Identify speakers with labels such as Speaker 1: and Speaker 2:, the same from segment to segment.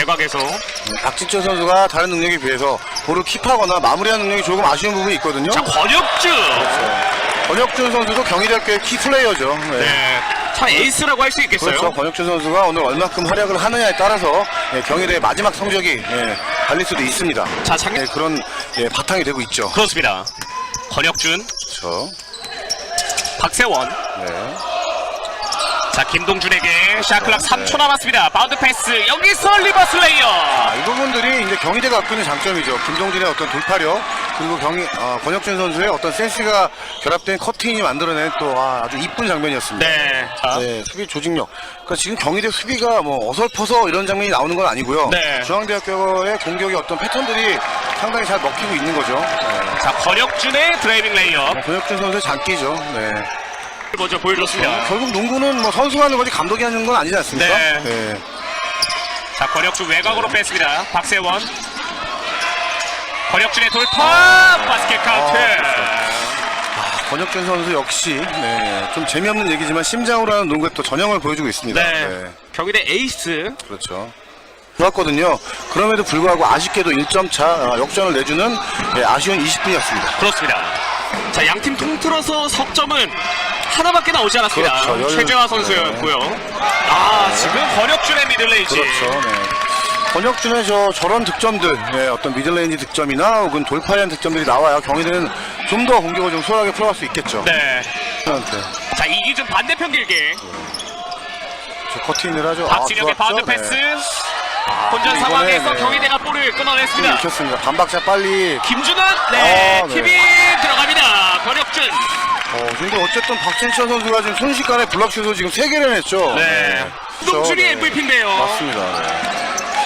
Speaker 1: 외곽에서
Speaker 2: 박진철 선수가 다른 능력에 비해서 볼을 킵하거나 마무리하는 능력이 조금 아쉬운 부분이 있거든요.
Speaker 1: 자, 권혁준.
Speaker 2: 권혁준 선수도 경희대학교의 키 플레이어죠.
Speaker 1: 네. 참 에이스라고 할 수 있겠어요.
Speaker 2: 그렇죠. 권혁준 선수가 오늘 얼마큼 활약을 하느냐에 따라서 경희대의 마지막 성적이 달릴 수도 있습니다.
Speaker 1: 자, 작년
Speaker 2: 그런 바탕이 되고 있죠.
Speaker 1: 그렇습니다. 권혁준,
Speaker 2: 그렇죠.
Speaker 1: 박세원.
Speaker 2: 네.
Speaker 1: 자, 김동준에게 샤클락 3초 남았습니다. 바운드 패스. 여기서 리버스 레이어.
Speaker 2: 이 부분들이 이제 경희대가 갖고 있는 장점이죠. 김동준의 어떤 돌파력, 그리고 권혁준 선수의 어떤 센스가 결합된 커팅이 만들어낸 또 아주 이쁜 장면이었습니다.
Speaker 1: 네. 자,
Speaker 2: 네, 수비 조직력. 그러니까 지금 경희대 수비가 뭐 어설퍼서 이런 장면이 나오는 건 아니고요.
Speaker 1: 네.
Speaker 2: 중앙대학교의 공격의 어떤 패턴들이 상당히 잘 먹히고 있는 거죠. 네.
Speaker 1: 자, 권혁준의 드라이빙 레이어.
Speaker 2: 권혁준 선수의 장기죠. 네.
Speaker 1: 먼저 보여줬습니다.
Speaker 2: 결국 농구는 뭐 선수가 하는 거지 감독이 하는 건 아니지 않습니까?
Speaker 1: 네. 자, 권혁준 외곽으로 뺐습니다. 박세원. 권혁준의 돌파. 바스켓 카운트.
Speaker 2: 권혁준 선수 역시 좀 재미없는 얘기지만 심장으로 하는 농구에 또 전형을 보여주고 있습니다.
Speaker 1: 네. 경희대 에이스.
Speaker 2: 그렇죠. 좋았거든요. 그럼에도 불구하고 아쉽게도 1점 차 역전을 내주는 아쉬운 20분이었습니다.
Speaker 1: 그렇습니다. 자, 양팀 통틀어서 석점은 하나밖에 나오지 않았습니다.
Speaker 2: 그렇죠.
Speaker 1: 최재화 선수였고요. 지금 권혁준의 미들레인지.
Speaker 2: 그렇죠. 네. 권혁준의 저런 득점들, 어떤 미들레인지 득점이나 혹은 돌파에 대한 득점들이 나와야 경희대는 좀 더 공격을 좀 수월하게 풀어갈 수 있겠죠.
Speaker 1: 네.
Speaker 2: 네.
Speaker 1: 자, 이기준 반대편 길게.
Speaker 2: 저 커팅을 하죠.
Speaker 1: 박진혁의 바운드 패스. 혼전 상황에서 경희대가 볼을 끊어냈습니다.
Speaker 2: 익혔습니다. 반박자 빨리.
Speaker 1: 김준환, 네,
Speaker 2: 네.
Speaker 1: 팀이 들어갑니다. 권혁준.
Speaker 2: 근데 어쨌든 박진철 선수가 지금 순식간에 블락슛을 지금 3개를 냈죠.
Speaker 1: 네. 김동준이 MVP인데요.
Speaker 2: 맞습니다. 네.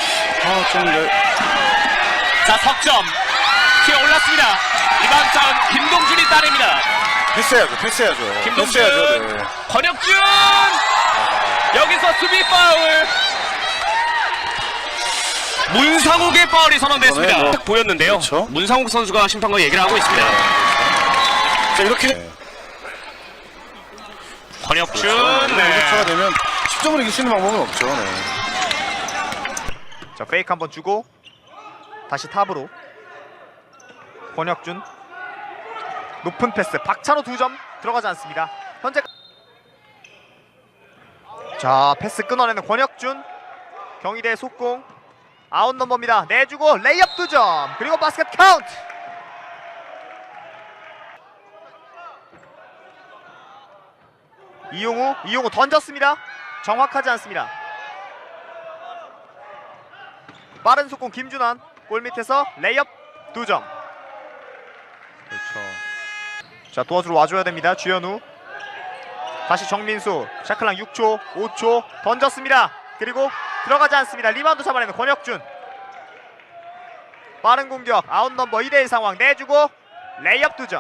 Speaker 1: 자, 석점. 튀어 올랐습니다. 이번 전 김동준이 따냅니다.
Speaker 2: 패스해야죠.
Speaker 1: 김동준,
Speaker 2: 패스해야죠. 네.
Speaker 1: 권혁준. 여기서 수비 파울. 문상욱의 파울이 선언됐습니다.
Speaker 2: 뭐,
Speaker 1: 보였는데요.
Speaker 2: 그렇죠.
Speaker 1: 문상욱 선수가 심판과 얘기를 하고 있습니다.
Speaker 2: 자, 이렇게
Speaker 1: 권혁준,
Speaker 2: 차가 되면 10점을 이길 수 있는 방법은 없죠. 네.
Speaker 3: 자, 페이크 한번 주고 다시 탑으로 권혁준 높은 패스 박찬호 2점 들어가지 않습니다. 현재 자, 패스 끊어내는 권혁준. 경희대 속공 아웃 넘버입니다. 내주고 레이업 2점 그리고 바스켓 카운트. 이용우 던졌습니다. 정확하지 않습니다. 빠른 속공 김준환. 골 밑에서 레이업 2점. 그렇죠. 자, 도와주러 와줘야 됩니다. 주현우. 다시 정민수. 샤클랑 6초 5초 던졌습니다. 그리고 들어가지 않습니다. 리바운드 잡아내는 권혁준. 빠른 공격 아웃 넘버 2대1 상황 내주고 레이업 2점.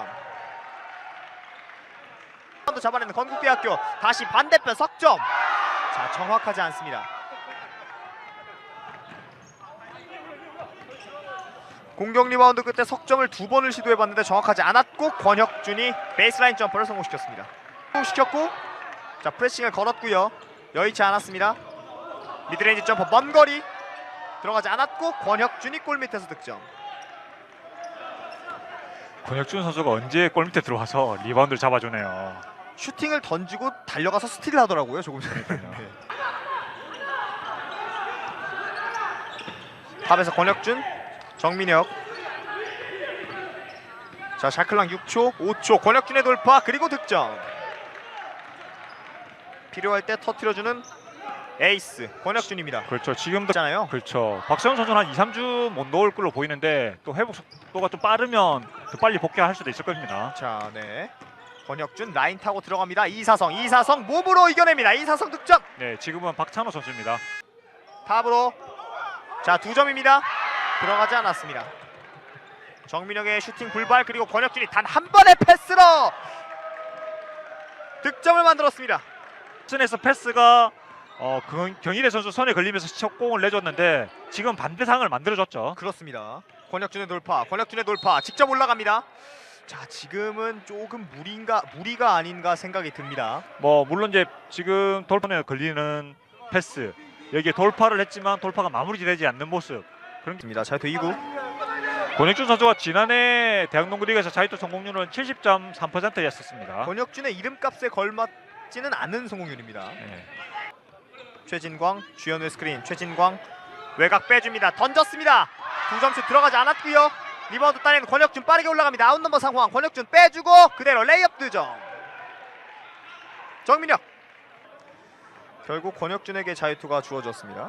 Speaker 3: 리바운드 잡아내는 건국대학교. 다시 반대편 석점. 자, 정확하지 않습니다. 공격 리바운드 끝에 석점을 2번을 시도해봤는데 정확하지 않았고 권혁준이 베이스라인 점퍼를 성공시켰습니다. 시켰고, 자, 프레싱을 걸었고요. 여의치 않았습니다. 미드레인지 점퍼 먼 거리 들어가지 않았고 권혁준이 골 밑에서 득점.
Speaker 4: 권혁준 선수가 언제 골 밑에 들어와서 리바운드를 잡아주네요.
Speaker 3: 슈팅을 던지고 달려가서 스틸을 하더라고요. 조금 전에. 네. 탑에서 권혁준, 정민혁. 자, 샤클랑 6초 5초 권혁준의 돌파 그리고 득점. 필요할 때 터뜨려주는 에이스 권혁준입니다.
Speaker 4: 그렇죠. 지금도
Speaker 3: 있잖아요.
Speaker 4: 그렇죠. 박세훈 선수는 한 2, 3주 못 넣을 걸로 보이는데 또 회복 속도가 좀 빠르면 더 빨리 복귀할 수도 있을 겁니다.
Speaker 3: 자, 네. 권혁준 라인 타고 들어갑니다. 이사성 몸으로 이겨냅니다. 이사성 득점.
Speaker 4: 네, 지금은 박찬호 선수입니다.
Speaker 3: 탑으로. 자, 2점입니다. 들어가지 않았습니다. 정민혁의 슈팅 불발 그리고 권혁준이 단 한 번의 패스로 득점을 만들었습니다.
Speaker 4: 선에서 패스가 경희대 선수 손에 걸리면서 첫 공을 내줬는데 지금 반대 상황을 만들어줬죠.
Speaker 3: 그렇습니다. 권혁준의 돌파 직접 올라갑니다. 자, 지금은 조금 무리가 아닌가 생각이 듭니다.
Speaker 4: 뭐 물론 이제 지금 돌판에 걸리는 패스 여기에 돌파를 했지만 돌파가 마무리되지 않는 모습. 그런
Speaker 3: 입니다. 자유투 2구.
Speaker 4: 권혁준 선수가 지난해 대학농구 리그에서 자유투 성공률은 70.3%였었습니다.
Speaker 3: 권혁준의 이름값에 걸맞지는 않은 성공률입니다.
Speaker 4: 네.
Speaker 3: 최진광, 주현우의 스크린. 최진광 외곽 빼줍니다. 던졌습니다. 2점슛 들어가지 않았고요. 리바운드 따내는 권혁준 빠르게 올라갑니다. 아웃 넘버 상황. 권혁준 빼주고 그대로 레이업 득점. 정민혁. 결국 권혁준에게 자유투가 주어졌습니다.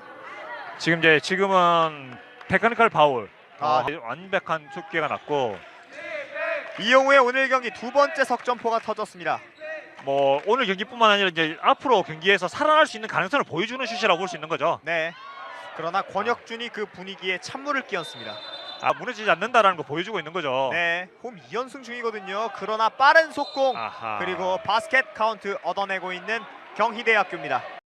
Speaker 4: 지금은 테크니컬 파울.
Speaker 3: 아.
Speaker 4: 완벽한 숫기가 났고
Speaker 3: 이영우의 오늘 경기 두 번째 석점포가 터졌습니다.
Speaker 4: 뭐 오늘 경기뿐만 아니라 이제 앞으로 경기에서 살아날 수 있는 가능성을 보여주는 슛이라고 볼 수 있는 거죠.
Speaker 3: 네. 그러나 권혁준이 그 분위기에 찬물을 끼얹습니다.
Speaker 4: 무너지지 않는다라는 거 보여주고 있는 거죠.
Speaker 3: 네, 홈 2연승 중이거든요. 그러나 빠른 속공
Speaker 4: 아하.
Speaker 3: 그리고 바스켓 카운트 얻어내고 있는 경희대학교입니다.